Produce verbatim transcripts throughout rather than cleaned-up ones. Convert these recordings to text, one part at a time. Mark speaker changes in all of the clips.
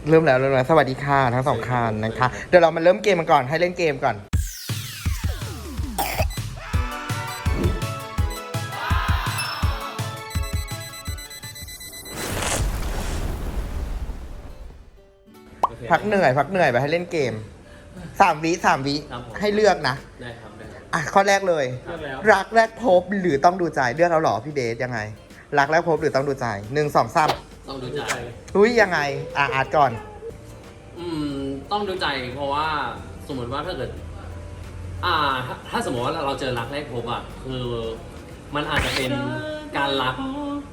Speaker 1: เริ่มแล้วเริ่มแล้วสวัสดีค่ะทั้งสองคันนะคะเดี๋ยวเรามาเริ่มเกมกันก่อนให้เล่นเกมก่อนพักเหนื่อยพักเหนื่อยไปให้เล่นเกมสามวิสามวิให้เลือกนะ
Speaker 2: ได้ครับได้ครับ
Speaker 1: อ่ะข้อแรกเลย
Speaker 2: เลือกแล้ว
Speaker 1: รักแรกพบหรือต้องดูใจเลือกแล้วเหรอพี่เบสยังไงรักแรกพบหรือต้องดูใจหนึ่งสองสาม
Speaker 2: ต้องดูใจ
Speaker 1: อุ้ยยังไงอ่ะอาร์ตก่อน
Speaker 2: อืมต้องดูใจเพราะว่าสมมติว่าถ้าเกิด อ่าถ้าถ้าสมมติว่าเราเจอรักแรกพบอ่ะคือมันอาจจะเป็นการรัก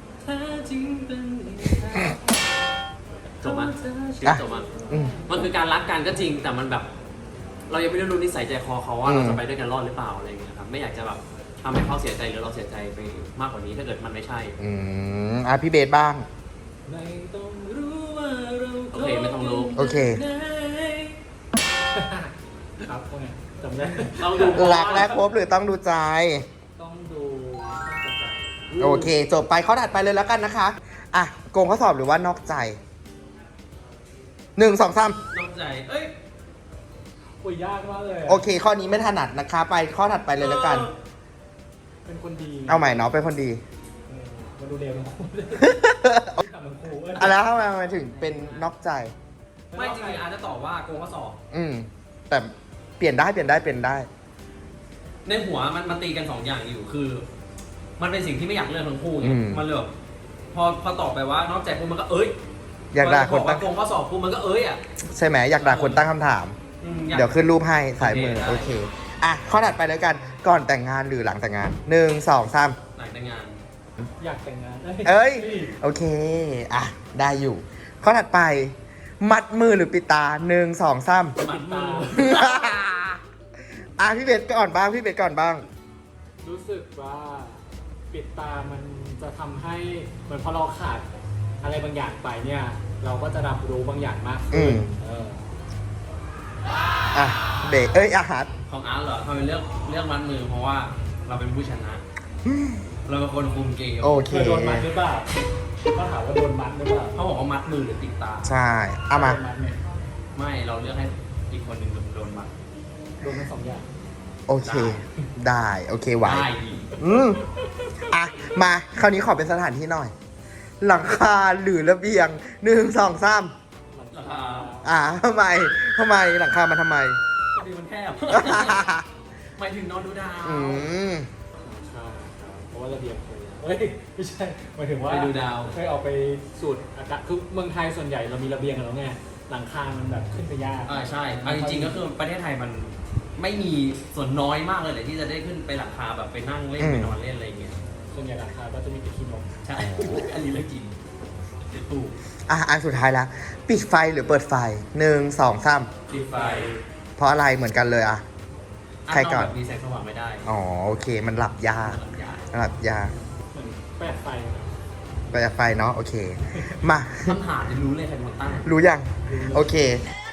Speaker 2: จบมั้ยชีวิตจบมั้ย
Speaker 1: อืม
Speaker 2: มันคือการรักกันก็จริงแต่มันแบบ เรายังไม่ได้รู้นิสัยใจคอเขาว่า
Speaker 1: อืม
Speaker 2: เราจะไปด้วยกันรอดหรือเปล่าอะไรอย่างเงี้ยครับไม่อยากจะแบบทำให้เขาเสียใจหรือเราเสียใจไปมากกว่านี้ถ้าเกิดมันไม่ใช่
Speaker 1: อืมอ่ะพี่เบสบ้าง
Speaker 2: ไม่ต้องรู้ว่าเราโอเคไม่ต้องรู้
Speaker 1: โอเค
Speaker 3: ครับพวกเนี้ยจำได้
Speaker 2: ต้องดู
Speaker 1: รักแรกพบหรือต้องดูใจ
Speaker 3: ต้องดูต้องจัดใจ
Speaker 1: โอเค จบไปข้อถัดไปเลยแล้วกันนะคะอ่ะโกงข้อสอบหรือว่านอกใจหนึ่งสองสาม
Speaker 2: นอกใจเอ้ย
Speaker 3: โอ้ยยากมากเลยะ
Speaker 1: โอเค ข้อนี้ไม่ถนัดนะคะ ไปข้อถัดไปเลยแล้วกัน
Speaker 3: เป็นคนดี
Speaker 1: เอาใหม่เนาะเป็นคนดี
Speaker 3: เออมาดูเดวทั้งคู่ทำทั้งคู่เว้ย
Speaker 1: อะแล้วทำไมมันถึงเป็นนอกใจ
Speaker 2: ไม่จริงๆอาจจะตอบว่าโกงข้อสอบ
Speaker 1: อืม แต่เปลี่ยนได้เปลี่ยนได้เปลี่ยนได้
Speaker 2: ในหัวมันมันตีกันสองอย่างอยู่คือ มันเป็นสิ่งที่ไม่อยากเลือกทั้งคู่ไง
Speaker 1: อืม
Speaker 2: มันเลยแบบพอพอตอบไปว่านอกใจปุ๊บมันก็เอ้ย
Speaker 1: อยากด่าคน
Speaker 2: พบ
Speaker 1: ตั้
Speaker 2: ว่าง โกงข้อสอบปุ๊บมันก็เอ้ยอ่ะ
Speaker 1: ใช่ไหมอยากด่าคนตั้งคำถาม
Speaker 2: อืมอาก
Speaker 1: เดี๋ยวขึ้นรูปให้สายมือ
Speaker 2: โอ
Speaker 1: โอ
Speaker 2: เค
Speaker 1: เค อ่ะ ข้อถัดไปแล้วกัน ก่อนแต่งงานหรือหลังแต่งงานหนึ่งสองสาม
Speaker 2: หลังแต่งงาน
Speaker 3: อยากแต่งงาน
Speaker 1: เอ้ย โอเค อ่ะ ได้อยู่ ข้อถัดไป มัดมือหรือปิดตาหนึ่งสองสาม
Speaker 2: มัดมือ
Speaker 1: อ่ะพี่เบสก่อนบ้าง พี่เบสก่อนบ้าง
Speaker 3: รู้สึกว่าปิดตามันจะทำให้เหมือนพอเราขาดอะไรบางอย่างไปเนี่ย เราก็จะรับรู้บางอย่างมาก
Speaker 1: อื
Speaker 3: ขึ้น
Speaker 1: ม
Speaker 3: เออ
Speaker 1: อ่ะ เบสเอ้ยอาหาร
Speaker 2: ของอาร์ตเหรอทำไมเลือกเลือกมัดมือเพราะว่าเราเป็นผู้ชนะ เราเป็นคนคุมเกม
Speaker 1: โอเค
Speaker 3: เคยโดนมัดหรือเปล่าเขาถามว่าโดนมัดหรือเปล่า
Speaker 2: เขาบอกว่ามัดมือหรือติดตา
Speaker 1: ใช่ เอามา
Speaker 3: โดนมัดเนี่ย
Speaker 2: ไม่เราเลือกให้อีกคนหนึ่งโดนมัด
Speaker 3: โดนทั้งสองอย่าง
Speaker 1: โอเค ได้ โอเคไหว
Speaker 2: ได้ดี
Speaker 1: อืมอ่ะ มา คราวนี้ขอเป็นสถานที่หน่อย หลังคาหรือระเบียงหนึ่งสองสาม
Speaker 2: ราคา
Speaker 1: อ่าทำไมทำไมหลังคามันทำไม
Speaker 2: พอดีมันแคบ หมายถึงนอนดูดาว
Speaker 1: อืม
Speaker 3: ใช่ครับเพราะว่าระเบียงเคยเฮ้ยไม่ใช่หมายถึงว่า
Speaker 2: ไปดูดาว
Speaker 3: เคยออกไปสูดอากาศคือเมืองไทยส่วนใหญ่เรามีระเบียงกันแล้วไงหลังคา มันแบบขึ้นไปยาก
Speaker 2: อ่าใช่เอาจริงๆก็คือประเทศไทยมันไม่มีส่วนน้อยมากเลยแหละที่จะได้ขึ้นไปหลังคาแบบไปนั่งเล่น
Speaker 1: อืม
Speaker 2: ไปนอนเล่นอะไรอย่างเงี้ย
Speaker 3: ส่วนใหญ่หลังคาก็จะมีแต่ขี้นก
Speaker 2: ใช่ อันนี้เรื่องจริงถูก
Speaker 1: อ่ะ อันสุดท้ายแล้ว ปิดไฟหรือเปิดไฟหนึ่งสองสาม
Speaker 2: ปิดไฟ
Speaker 1: เพราะอะไรเหมือนกันเลยอ่ะ ใครก่อน
Speaker 2: แบบมีแสงสว่างไม่ได้
Speaker 1: อ๋อ โอเค มันหลับยาก
Speaker 2: หลับยาก
Speaker 1: หลับยาก
Speaker 3: เหมือนแปดไฟนะ
Speaker 1: ประหยัดไฟเนาะ โอเค มา
Speaker 2: คำถามจะรู้เลยใครเป็นคนตั้ง
Speaker 1: รู้ยัง โอเค